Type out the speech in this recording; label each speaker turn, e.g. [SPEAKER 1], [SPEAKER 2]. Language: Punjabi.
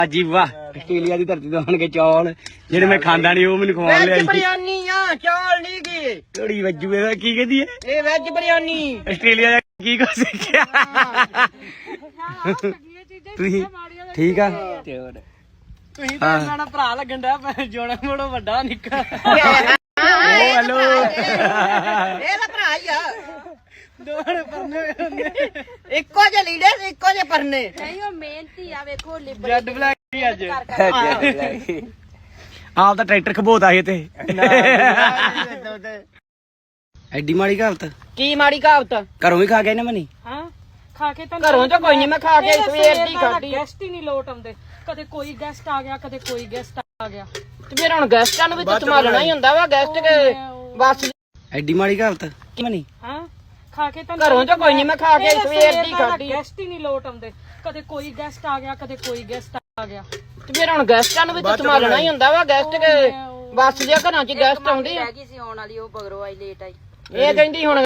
[SPEAKER 1] ਜੀ ਵਾਹ ਆਸਟ੍ਰੇਲੀਆ ਦੀ ਧਰਤੀ ਤੋਂ ਆਣ ਕੇ ਚੌਲ ਜਿਹੜੇ ਮੈਂ ਖਾਂਦਾ ਨਹੀਂ ਉਹ ਮੈਨੂੰ ਖਵਾਉਣ ਲਿਆ
[SPEAKER 2] ਬਿਰਿਆਨੀ ਆ ਚੌਲ ਨਹੀਂ ਗਏ
[SPEAKER 1] ਥੋੜੀ ਵੱਜੂ ਇਹਦਾ ਕੀ ਕਹਿੰਦੀ ਹੈ
[SPEAKER 2] ਇਹ ਵੈਜ ਬਿਰਿਆਨੀ
[SPEAKER 1] ਆਸਟ੍ਰੇਲੀਆ ਦਾ ਕੀ ਕੁਛ ਸਿੱਖਿਆ ਤੁਸੀਂ ਠੀਕ ਆ
[SPEAKER 2] ਤੁਸੀਂ ਤਾਂ ਸਾਡਾ ਭਰਾ ਲੱਗਣ ਡਿਆ ਜੋਣਾ ਮੋੜੋ ਵੱਡਾ ਨਿੱਕਾ
[SPEAKER 1] ਹੈਲੋ
[SPEAKER 2] ਇਹ ਤਾਂ ਭਰਾ ਹੀ ਆ ਦੋੜ ਪਰਨੇ ਇੱਕੋ ਜਿਹੇ ਲੀੜੇ ਤੇ ਇੱਕੋ ਜਿਹੇ ਪਰਨੇ
[SPEAKER 3] ਨਹੀਂ ਉਹ ਮਿਹਨਤੀ ਆ ਵੇਖੋ ਲਿਬੜ
[SPEAKER 2] ਜੱਡ ਬਲੈਕ ਹੀ ਅੱਜ
[SPEAKER 1] ਆਪ ਤਾਂ ਟਰੈਕਟਰ ਖਬੋਤਾ ਸੀ ਤੇ ਐਡੀ ਮਾੜੀ ਕਹਾਵਤ
[SPEAKER 2] ਕੀ ਮਾੜੀ ਕਹਾਵਤ
[SPEAKER 1] ਘਰੋਂ ਵੀ ਖਾ ਕੇ ਨਾ ਮਨੀ
[SPEAKER 3] ਹਾਂ ਖਾ ਕੇ ਤਾਂ
[SPEAKER 2] ਘਰੋਂ ਤਾਂ ਕੋਈ ਨਹੀਂ ਮੈਂ ਖਾ ਕੇ ਸਵੇਰ ਦੀ ਖਾਧੀ
[SPEAKER 3] ਗੈਸਟ ਹੀ ਨਹੀਂ ਲੋਟ ਆਉਂਦੇ ਕਦੇ ਕੋਈ ਗੈਸਟ ਆ ਗਿਆ ਕਦੇ ਕੋਈ ਗੈਸਟ ਆ ਗਿਆ
[SPEAKER 2] ਤੇ ਫਿਰ ਹੁਣ ਗੈਸਟਾਂ ਨੂੰ ਵੀ ਤਾਂ ਸੰਭਾਲਣਾ ਹੀ ਹੁੰਦਾ ਵਾ ਗੈਸਟ ਕੇ ਬਸ
[SPEAKER 1] ਐਡੀ ਮਾੜੀ ਕਹਾਵਤ ਕੀ ਮਨੀ
[SPEAKER 3] ਹਾਂ ਖਾ ਕੇ ਤਾਂ
[SPEAKER 2] ਘਰੋਂ ਤਾਂ ਕੋਈ ਨਹੀਂ ਮੈਂ ਖਾ ਕੇ ਸਵੇਰ ਦੀ ਖਾਧੀ
[SPEAKER 3] ਗੈਸਟ ਹੀ ਨਹੀਂ ਲੋਟ ਆਉਂਦੇ ਕਦੇ ਕੋਈ ਗੈਸਟ ਆ ਗਿਆ ਕਦੇ ਕੋਈ ਗੈਸਟ ਆ ਗਿਆ
[SPEAKER 2] ਤੇ ਫਿਰ ਹੁਣ ਗੈਸਟਾਂ ਨੂੰ ਵੀ ਤਾਂ ਸੰਭਾਲਣਾ ਹੀ ਹੁੰਦਾ ਵਾ ਗੈਸਟ ਕੇ ਬਸ ਦੇ ਘਰਾਂ 'ਚ ਗੈਸਟ ਆਉਂਦੇ ਆ
[SPEAKER 3] ਰਹਿ ਗਈ ਸੀ ਆਉਣ ਵਾਲੀ ਉਹ ਬਗਰੋ ਆਈ ਲੇਟ ਆਈ
[SPEAKER 2] ਇਹ ਕਹਿੰਦੀ ਹੁਣ